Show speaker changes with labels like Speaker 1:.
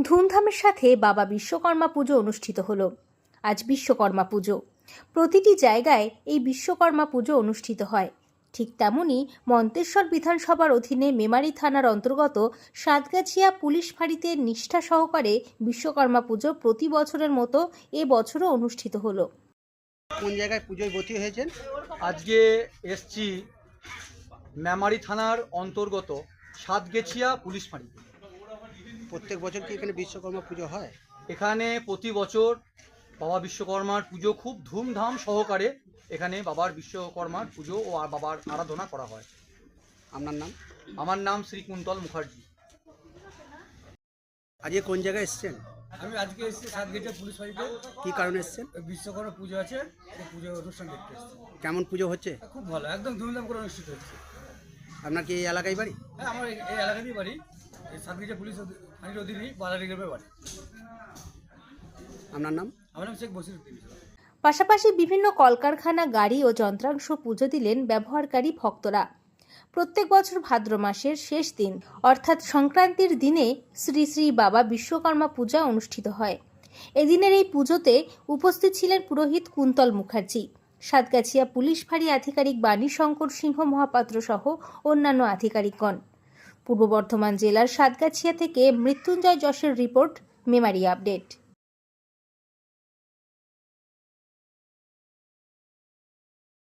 Speaker 1: ধুমধামের সাথে বাবা বিশ্বকর্মা পুজো অনুষ্ঠিত হলো। আজ বিশ্বকর্মা পুজো। প্রতিটি জায়গায় এই বিশ্বকর্মা পুজো অনুষ্ঠিত হয়। ঠিক তেমনি মন্তেশ্বর বিধানসভার অধীনে মেমারি থানার অন্তর্গত সাতগাছিয়া পুলিশ ফাঁড়িতে নিষ্ঠা সহকারে বিশ্বকর্মা পুজো প্রতি বছরের মতো এবছরও অনুষ্ঠিত হলো।
Speaker 2: কোন জায়গায় পুজোয় ভর্তি হয়েছেন?
Speaker 3: আজকে এসছি মেমারি থানার অন্তর্গত সাতগেছিয়া পুলিশ ফাঁড়ি।
Speaker 2: প্রত্যেক বছর কি এখানে বিশ্বকর্মা পুজো হয়?
Speaker 3: এখানে প্রতি বছর বাবা বিশ্বকর্মার পুজো খুব ধুমধাম সহকারে এখানে বাবার বিশ্বকর্মার পুজো ও বাবার আরাধনা করা হয়।
Speaker 2: আপনার নাম?
Speaker 3: আমার নাম শ্রী কুন্তল মুখার্জি।
Speaker 2: আজকে কোন জায়গায় এসছেন?
Speaker 4: আমি আজকে এসেছি সাতগেছিয়া পুলিশ ফাঁড়িতে।
Speaker 2: কি কারণে এসছেন?
Speaker 4: বিশ্বকর্মা পুজো আছে, এই পুজোর অনুষ্ঠান দেখতে এসেছি।
Speaker 2: কেমন পুজো হচ্ছে?
Speaker 4: খুব ভালো, একদম ধুমধাম করে অনুষ্ঠিত হচ্ছে।
Speaker 2: আপনার কি এই এলাকায় বাড়ি?
Speaker 4: হ্যাঁ, আমার এই এলাকাতেই বাড়ি, এই সাতগেছিয়া পুলিশ ফাঁড়ির অধীনেই বালারি গ্রামে বাড়ি।
Speaker 2: আপনার নাম?
Speaker 4: আমার নাম শেখ বসিরউদ্দিন।
Speaker 1: পাশাপাশি বিভিন্ন কলকারখানা, গাড়ি ও যন্ত্রাংশ পুজো দিলেন ব্যবহারকারী ভক্তরা। প্রত্যেক বছর ভাদ্র মাসের শেষ দিন অর্থাৎ সংক্রান্তির দিনে শ্রী শ্রী বাবা বিশ্বকর্মা পূজা অনুষ্ঠিত হয়। এদিনের এই পুজোতে উপস্থিত ছিলেন পুরোহিত কুন্তল মুখার্জি, সাতগাছিয়া পুলিশ ফাঁড়ি আধিকারিক বাণী শঙ্কর সিংহ মহাপাত্র সহ অন্যান্য আধিকারিকগণ। পূর্ব বর্ধমান জেলার সাতগাছিয়া থেকে মৃত্যুঞ্জয় যশের রিপোর্ট, মেমারি আপডেট।